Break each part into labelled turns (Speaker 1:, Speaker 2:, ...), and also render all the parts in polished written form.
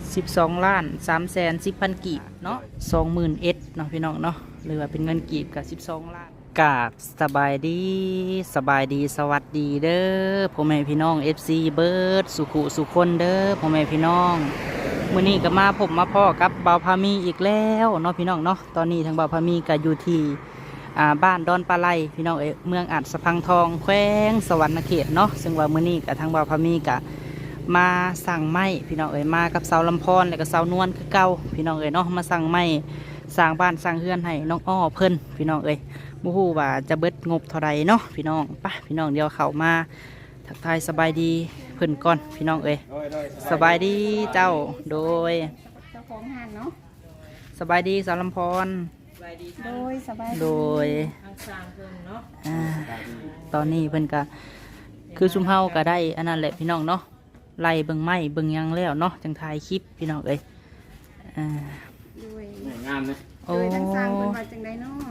Speaker 1: 12,310,000กีบเนาะ20,000เนาะพี่น้องเนาะหรือว่าเป็นเงินกีบกับ12ล้านกราบสบายดีสวัสดีเด้อพ่อแม่พี่น้อง FC เบิร์ดสุขุสุคนเด้อพ่อแม่พี่น้องมื้อนี้ก็มาผมมาพ่อกับเบาพามีอีกแล้วเนาะพี่น้องเนาะตอนนี้ทางเบาพามีก็อยู่ที่บ้านดอนปลาไหลพี่น้องเมืองอัดสะพังทองแขวงสวรรณเขตเนาะซึ่งว่ามื้อนี้ก็ทางเบาพามีก็มาสั่งไม้พี่น้องมากับสาวลำพรและก็สาวนวลคือเก่าพี่น้องเนาะมาสั่งไม้สร้างบ้านสร้างเรือนให้น้องอ้อเพิ่นพี่น้องบ่ฮู้ว่าจะเบิดงบเท่าใดเนาะพี่น้องไปพี่น้องเดี๋ยวเข้ามาทักทายสบายดีเพิ่นก่อนพี่น้องสบายดีเจ้าโดย
Speaker 2: เจ้าของห้างเนาะ
Speaker 1: สบายดีสาวลำพร
Speaker 2: โดยสบาย
Speaker 1: โดย
Speaker 2: ทางสร้างเพิ่นเนาะ
Speaker 1: ตอนนี้เพิ่นก็คือซุมเฮาก็ได้อันนั้นแหละพี่น้องเนาะไล่เบิ่งไม้เบิ่งยังแล้วเนาะจังถ่ายคลิปพี่น้อง
Speaker 2: โดย
Speaker 3: งามเลย
Speaker 2: โดยทางสร้างเพิ่นว่าจังได๋เนาะ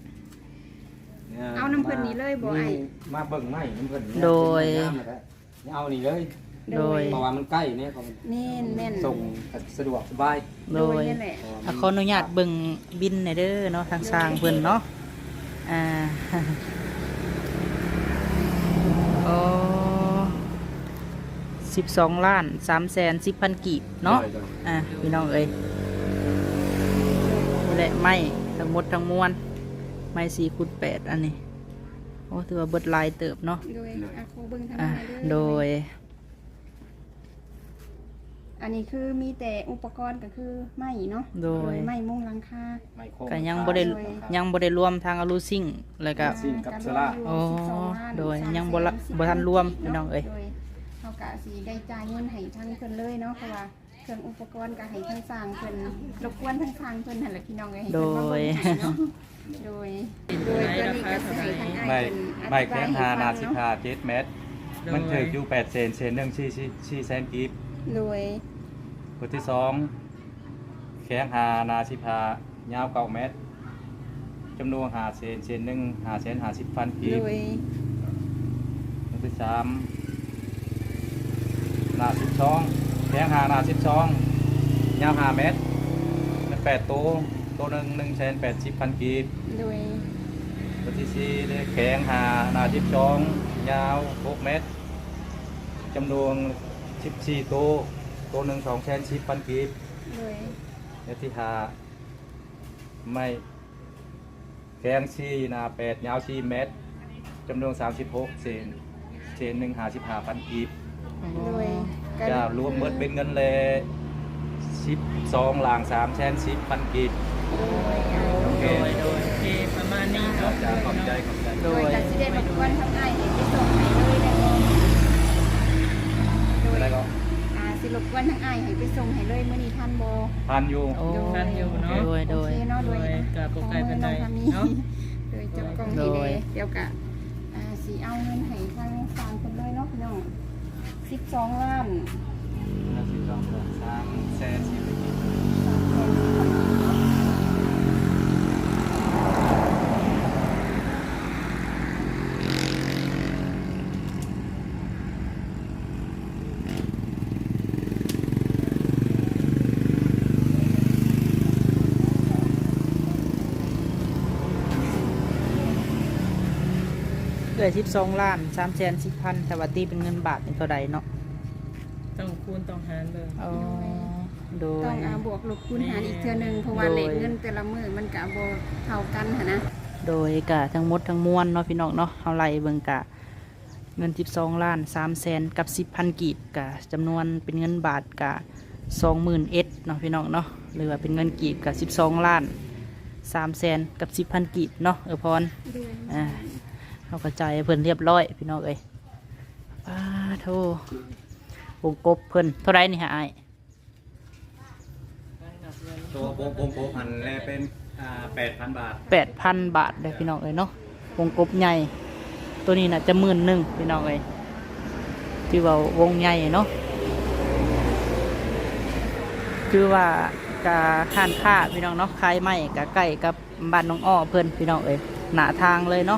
Speaker 2: เอาน้ำเพิ่นนี่เลยบ่ไอ้
Speaker 3: มาเบิ่งไม้น้ำเพิ่น
Speaker 1: โดย
Speaker 3: เอานี่เลย
Speaker 1: โดย
Speaker 3: เพราะว่ามันใกล้เนี่ยเขา
Speaker 2: แม่น
Speaker 3: ส่งสะดวกสบาย
Speaker 1: โดยขออนุญาตเบิ่งบินหน่อยเด้อเนาะทางสร้างเพิ่นเนาะโอ้12,310,000กีบเนาะพี่น้องและไม้ทั้งหมดทั้งมวลไม้4x8อันนี้โอ้ถือว่าเบิดลายเติบเนาะ
Speaker 2: โดยโคเบิ่งทางนี้
Speaker 1: โดย
Speaker 2: อันนี้คือมีแต่อุปกรณ์ก็คือไม้เนาะ
Speaker 1: โดย
Speaker 2: ไม้มุงหลังคา
Speaker 1: ก็ยังบ่ได้รวมทางอลูซิ่งแล้วก็
Speaker 3: กับโซล่า
Speaker 1: โอ้โดยยังบ่ทันรวมพี่น้อง
Speaker 2: เฮาก็สิได้จ่ายเงินให้ทางเพิ่นเลยเนาะเพราะว่าเครื่องอุปกรณ์ก็ให้ทางสร้างเพิ่นรบกวนทางสร้างเพิ่นนั่นแหละพี่น้องให้
Speaker 1: โด
Speaker 2: เพิ่นมาเบิ่งเนาะโดยตัวนี้ก็สิให้ทางอ้ายเพิ่น
Speaker 3: ไม่แข็งหานา15 7 เมตรมันเคยอยู่8เซนเซนนึง4แสนกีบ
Speaker 2: โดย
Speaker 3: ตัวที่2แข็งหานา15ยาว9 เมตรจำนวน5เซนนึง550,000กีบ
Speaker 2: โดย
Speaker 3: ตัวที่3นา12แข็งหานา12ยาว5 เมตรมัน8ตัวนึง180,000กีบ
Speaker 2: โดย
Speaker 3: ตัวที่4ได้แข็งหานา12ยาว6 เมตรจำนวน14ตัวนึง210,000กีบ
Speaker 2: โดย
Speaker 3: และที่5ไม่แข็ง4นา8ยาว4 เมตรจำนวน36เซนนึง55,000กีบจะรวมเบิดเป็นเงินเลย12หลาง310,000กีบ
Speaker 1: โอเคประมาณนี้เนาะ
Speaker 3: ขอบใจ
Speaker 2: โดยจะสิได้รบกวนทางอ้ายให้ไปส่งให้เลยได้บ่โดย
Speaker 3: แล้วก็
Speaker 2: สิรบกวนทางอ้ายให้ไปส่งให้เลยมื้อนี้ทันบ่
Speaker 3: ทันอยู่
Speaker 1: เนาะโดย
Speaker 2: กับบ่ไกลปานใดเนาะโดยจับกล้องนี่เด้เดี๋ยวก็สิเอาเงินให้ทางสร้างเพิ่นเลยเนาะพี่น้อง12 ล้าน
Speaker 3: 3แสน
Speaker 1: 12,310,000แต่ว่าตีเป็นเงินบาทเป็นเท่าใดเนาะ
Speaker 4: ต้องคูณต้องหารเลย
Speaker 1: โดย
Speaker 2: ต้องบวกลบคูณหารอีกเทื่อนึงเพราะว่าเลขเงินแต่ละมื้อมันก็บ่เท่ากันหั่นนะ
Speaker 1: โดยกะทั้งหมดทั้งมวลเนาะพี่น้องเนาะเฮาไล่เบิ่งกะเงิน12,300,000กับ10,000กีบกะจำนวนเป็นเงินบาทกะ20,000เนาะพี่น้องเนาะหรือว่าเป็นเงินกีบกะ12,300,000กับ10,000กีบเนาะพรเขากระจายเพิ่นเรียบร้อยพี่น้องโธ่วงกบเพิ่นเท่าไรนี่ฮะไอ้
Speaker 3: ตัววงกบพันแลเป็น8,000 บาท
Speaker 1: 8,000 บาทได้พี่น้องเนาะวงกบใหญ่ตัวนี้น่ะจะ11,000พี่น้องที่ว่าวงใหญ่เนาะคือว่ากะข้านค่าพี่น้องเนาะคายไม้กะใกล้กับบ้านน้องอ้อเพิ่นพี่น้องหน้าทางเลยเนาะ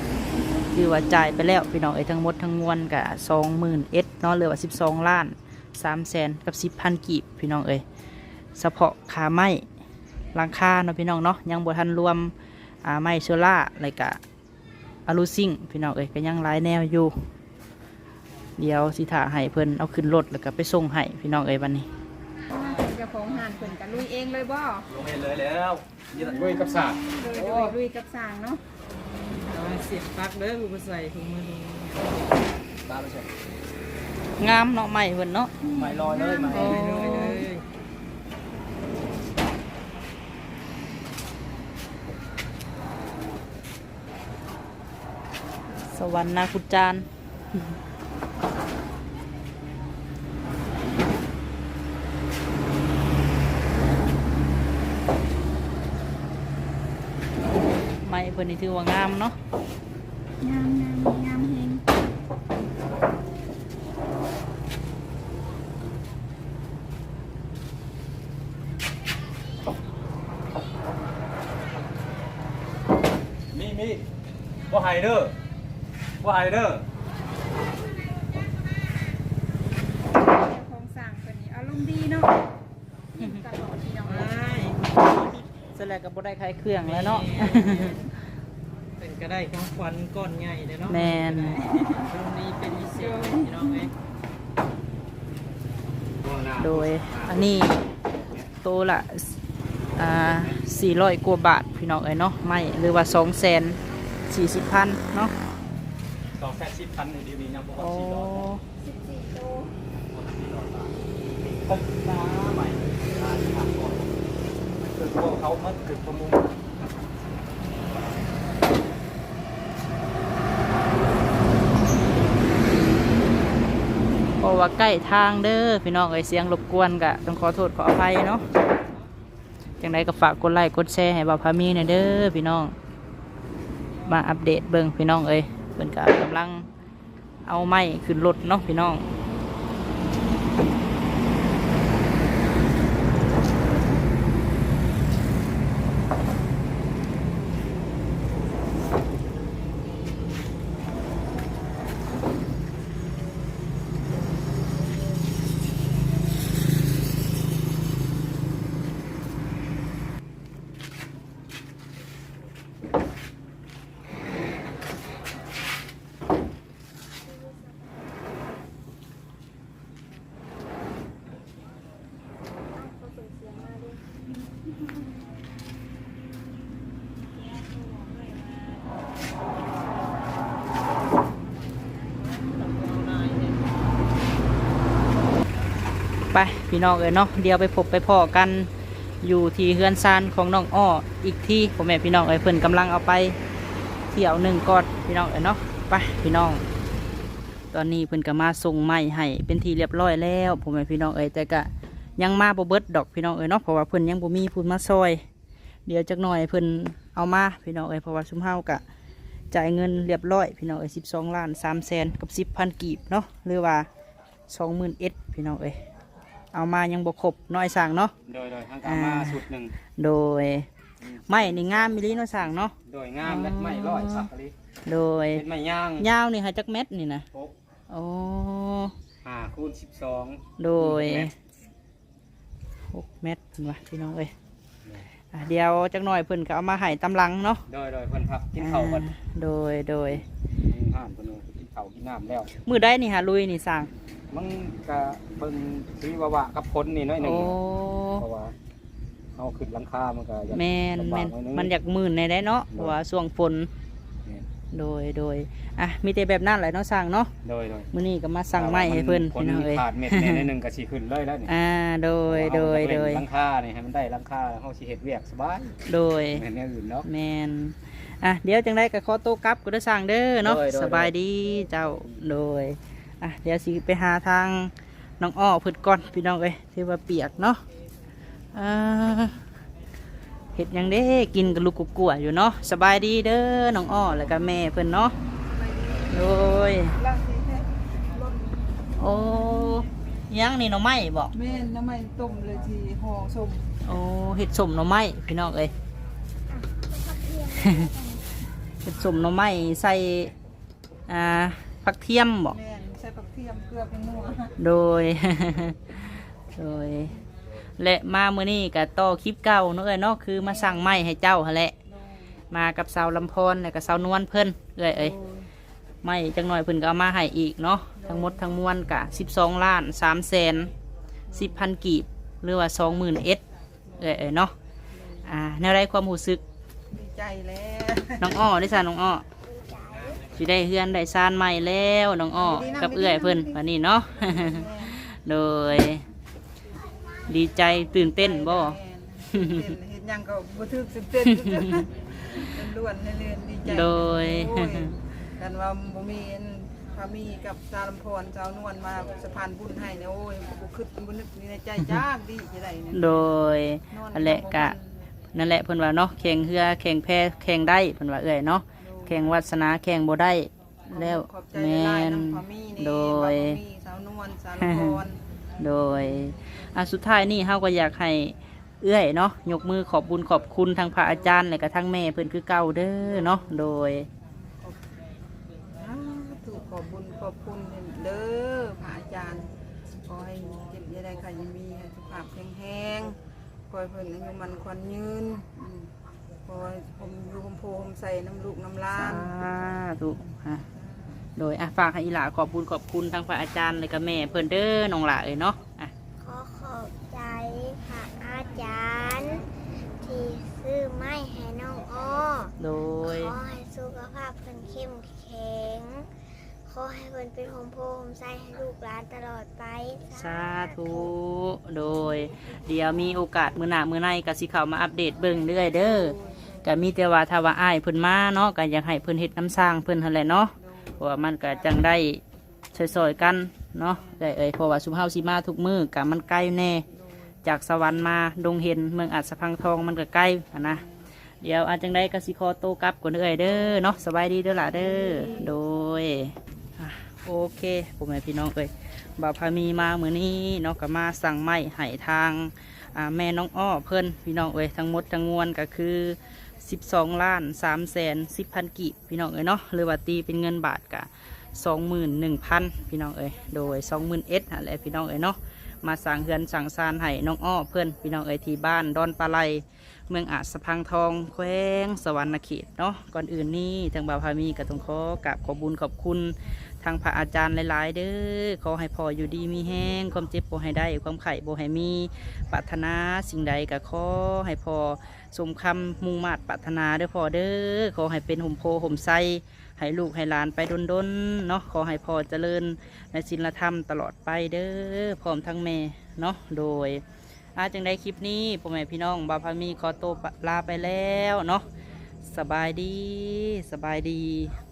Speaker 1: คือว่าจ่ายไปแล้วพี่น้องทั้งหมดทั้งมวลกะ20,000เนาะเหลือว่า12 ล้าน 300,000กับ10,000กีบพี่น้องเอ้ยเฉพาะค่าไม้หลังคาเนาะพี่น้องเนาะยังบ่ทันรวมไม้โซล่าแล้วก็อะลูซิงพี่น้องเอ้ยก็ยังหลายแนวอยู่เดี๋ยวสิถ่าให้เพิ่นเอาขึ้นรถแล้วก็ไปส่งให้พี่น้องเอ้ยวันนี้
Speaker 2: เจ้าของห้านเพิ่นก็ลุยเองเลยบ่
Speaker 3: ลงเห็นเลยแล้วยืนด้วยกับสาก
Speaker 2: โดยลุยกับสร้างเนาะ
Speaker 4: เอาเสียบปลั๊กเด้อกูไปใส่ถุงมือดู
Speaker 3: ตาไม่ใช่
Speaker 1: งามเนาะไม้เพิ่นเนาะ
Speaker 3: ไม่ลอยเลยมา
Speaker 1: โอ้
Speaker 4: เลย
Speaker 1: สวรรค์นาคุจานไม้เพิ่นนี่ถือว่างามเนาะ
Speaker 2: งามงามเฮง
Speaker 3: มีว่าไฮเดอร์ว่าไฮเดอร์
Speaker 2: เจ้าของสร้างเพิ่นนี่อารมณ์ดีเนาะยิ้มตลอดพี่น้อง
Speaker 4: ไม่
Speaker 1: เสร็จแล้วก็บ่ได้ขายเครื่องแล้วเนาะ
Speaker 4: เป็นก็ได้ของขวัญก้อนใหญ่เลยเนาะ
Speaker 1: แม่น
Speaker 4: ตรงนี้เป็นพิเศษพี่น้องเอ้ย
Speaker 1: โดยอันนี้โตวละ400 กว่าบาทพี่น้องเอ้ยเนาะไม่หรือว่า240,000เนาะ
Speaker 3: 210,000ในดีๆยังบ่ฮอ
Speaker 1: โอ้
Speaker 3: ด400
Speaker 2: 14โต
Speaker 3: ผมน้าใหม่ทางก่อนคือพวกเขามันคือประมง
Speaker 1: เพราะว่าใกล้ทางเด้อพี่น้องเอ้ยเสียงรบกวนก็ต้องขอโทษขออภัยเนาะจังไดก็ฝากกดไลค์กดแชร์ให้บ่าวพามีหน่อยเด้อพี่น้องมาอัปเดตเบิ่งพี่น้องเอ้ยเพิ่นก็กำลังเอาไม้ขึ้นรถเนาะพี่น้องไปพี่น้องเอ้ยเนาะเดี๋ยวไปพบไปพ่อกันอยู่ที่เฮือนซานของน้องอ้ออีกที่ผมแม่พี่น้องเอ้ยเพิ่นกำลังเอาไปเที่ยวหนึ่งก่อนพี่น้องเอ้ยเนาะไปพี่น้อง ตอนนี้เพิ่นก็มาส่งไม้ให้เป็นที่เรียบร้อยแล้วผมแม่พี่น้องเอ้ยแต่ก็ยังมาบ่เบิดดอกพี่น้องเอ้ยเนาะเพราะว่าเพิ่นยังบ่มีผู้มาซอย เดี๋ยวจักหน่อยเพิ่นเอามาพี่น้องเอ้ยเพราะว่าซุมเฮาก็จ่ายเงินเรียบร้อยพี่น้องเอ้ย12,300,000กับ10,000กีบเนาะหรือว่า21,000พี่น้องเอ้ยเอามายังบ่ครบน้อยสั่งเนาะ
Speaker 3: โดยทางการมาสุดหนึ่ง
Speaker 1: โดยไม้นี่งามมิลีน้อยสั่งเนาะ
Speaker 3: โดยงามและไม่ร้อยสักลิ
Speaker 1: โดย
Speaker 3: เป็นไม้ย่าง
Speaker 1: ยาวนี่หาจักเม็ดนี่นะ
Speaker 3: โป๊ะ
Speaker 1: โอ้
Speaker 3: คูณ12
Speaker 1: โดย6 เม็ดเพิ่นว่าพี่น้องเอ้ยเดี๋ยวจักหน่อยเพิ่นก็เอามาให้ตำลังเนาะ
Speaker 3: โดยเพิ่นครับกินข้าวกัน
Speaker 1: โดย
Speaker 3: ห้ามเพิ่นกินข้าวกินน้ำแล้ว
Speaker 1: มือได้นี่หาลุยนี่สั่ง
Speaker 3: มันก็เบิ่งสีวะกับคนนี่น้อยหนึง
Speaker 1: โอ้
Speaker 3: เพราะว่าเอาขึ้นหลังคามันก็อยาก
Speaker 1: แม่น
Speaker 3: ลำบากหอยง
Speaker 1: มันอยากมื่นในได้เนาะเพราะว่าช่วงฝน
Speaker 3: แม่น
Speaker 1: โดยอ่ะมีแต่แบบนั้นแหละเนาะสั่งเนาะ
Speaker 3: โดย
Speaker 1: มื้อนี้ก็มาสั่งไม้ให้เพิ่น
Speaker 3: คน
Speaker 1: พี่น้องเอ้ย
Speaker 3: ขาดเม็ดแม่นิดนึงก็สิขึ้นเลยแล้วนี่
Speaker 1: โดย
Speaker 3: หลังคานี่ให้มันได้หลังคาเฮาสิเฮ็ดเวียกสบาย
Speaker 1: โดย
Speaker 3: แม่นอย่างอื่นเนาะ
Speaker 1: แมนเดี๋ยวจังได้กับขอโต้กลับก็ได้สั่งเด้อเนาะ
Speaker 3: โดย
Speaker 1: สบายดีเจ้าโดยเดี๋ยวสิไปหาทางน้องอ้อเพิ่นก่อนพี่น้องเอ้ยที่ว่าเปียกเนาะเห็ดหยังเด้กินกับลูกกัวอยู่เนาะสบายดีเด้อน้องอ้อแล้วก็แม่เพิ่นเนาะโดย
Speaker 2: ล่างสิแท้รถ
Speaker 1: โอ้ยังนี่หน่อไม้บอก
Speaker 2: แม่นน้ำมันต้มเลยทีห่อส้ม
Speaker 1: โอ้เห็ดสมหน่อไม้พี่น้องเอ้ย เห็ดสมหน่อไม้ใส่ผักเทียมบอก
Speaker 2: แม่นใส่ผักเทียมเกลือเป็นนัว
Speaker 1: โดย โดย และมามื้อนี้ก็ต่อคลิปเก่าเนาะเอ้ยเนาะคือมาสั่งไม้ให้เจ้าหั่นแหละ มากับสาวลำพรและกับสาวนวลเพิ่นเอ้ยไม่จังหน่อยเพิ่นก็เอามาให้อีกเนาะทั้งหมดทั้งมวลกะ12 ล้าน3แสน10,000 กีบหรือว่า 20,000 เอ้ยเนาะแนวไรความรู้สึก
Speaker 2: ดีใจแล้ว
Speaker 1: น้องอ้อได้ซะน้องอ้อสิได้เฮือนได้ซานใหม่แล้วน้องอ้อกับเอื้อยเพิ่นวันนี้เนาะ โดย ดีใจตื่นเต้นบ่
Speaker 2: เห็นยังก็บ่ถึกเต้นเป็นล้วนเรื่อยๆดีใจ
Speaker 1: โดย
Speaker 2: โอ้กันว่าบ่มีพามีกับสาวลำพรสาวนวลมาสะพานบุญให้เนี่ยโอ้ยบ่คิดบ่นึกในใจจ้าดีจะได้เนี่ย
Speaker 1: โดยอันแหละกะนั่นแหละเพิ่นว่าเนาะแข่งเรือแข่งแพแข่งได้เพิ่นว่าเอ้ยเนาะแข่งวาสนาแข่งบ่ได้แล้ว
Speaker 2: ขอบใจ
Speaker 1: แม่
Speaker 2: หลาย
Speaker 1: น
Speaker 2: น้ำพามีนี่
Speaker 1: โดย
Speaker 2: พามีสาวนวลสาวลำพร
Speaker 1: โดยสุดท้ายนี่เฮาก็อยากให้เอื้อยเนาะยกมือขอบบุญขอบคุณทางพระอาจารย์และก็ทั้งแม่เพิ่นคือเก่าเด้อเนาะโดย
Speaker 2: ถูกขอบบุญขอบคุณเด้อพระอาจารย์ขอให้เจ็บอยาได้ใครยังมีให้สุขภาพแข็งแรงขอให้เพิ่นอายุมันควันยืนขอให้ผมอยู่ผมโพผมใส่น้ำลูกน้ำล้า
Speaker 1: สาน ธุโดยฝากให้อีหลาขอบบุญขอบคุณทางพระอาจารย์และก็แม่เพิ่นเด้อน้องหลาเอ้ยเนาะ
Speaker 5: ขอขอบใจพระอาจารย์ ที่ซื้อไม้ให้น้องอ้อ
Speaker 1: โดย
Speaker 5: ขอให้สุขภาพเพิ่นเข้มแข็ง ขอให้เพิ่นเป็นโฮมโพโฮมไซให้ลูกหลานตลอดไป
Speaker 1: สาธุโดย เดี๋ยวมีโอกาสมื้อหน้ามื้อในก็สิเข้ามาอัปเดตเบิ่งเรื่อยเด้อก็มีแต่ว่าถ้าว่าอ้ายเพิ่นมาเนาะก็อยากให้เพิ่นเฮ็ดน้ำสร้างเพิ่นหั่นแหละเนาะเพราะว่ามันก็จังได้ซอยๆกันเนาะได้เพราะว่าสุมเฮาสิมาทุกมื้อก็มันใกล้แน่จากสวรรค์มาดงเห็นเมืองอัศพังทองมันก็ใกล้นะเดี๋ยวอาจังได้ก็สิขอโตวกลับก่อนเด้อเนาะสบายดีเด้อล่ะเด้อโดยโอเคพ่อแม่พี่น้องบ่าวพามีมามื้อนี้เนาะก็มาสั่งไม้ให้ทางแม่น้องอ้อเพิ่นพี่น้องทั้งหมดทั้งมวลก็คือ12 ล้าน3แสน10,000 กีบพี่น้องเนาะหรือว่าตีเป็นเงินบาทกะ21,000พี่น้องโดย21,000อะไรพี่น้องเนาะมาสั่งเฮือนสั่งซานให้น้องอ้อเพิ่นพี่น้องที่บ้านดอนปลาไหลเมืองอาจสะพังทองแขวงสวรรณเขตเนาะก่อนอื่นนี่ทางบ่าวพามีก็ต้องขอกราบขอบุญขอบคุณทางพระอาจารย์หลายๆเด้อขอให้พ่ออยู่ดีมีแห้งความเจ็บบ่ให้ได้ความไข่บ่ให้มีปรารถนาสิ่งใดก็ขอให้พ่อสมคำมุ่งมา่ปรารถนาเด้อพ่อเด้อขอให้เป็นห่มโพห่มไส้ให้ลูกให้หลานไปดนๆเนาะขอให้พ่อเจริญในศีลธรรมตลอดไปเด้อพร้อมทั้งแม่เนาะโดยจังได้คลิปนี้พ่อแม่พี่น้องบ่าวพามีขอตัวลาไปแล้วเนาะสบายดี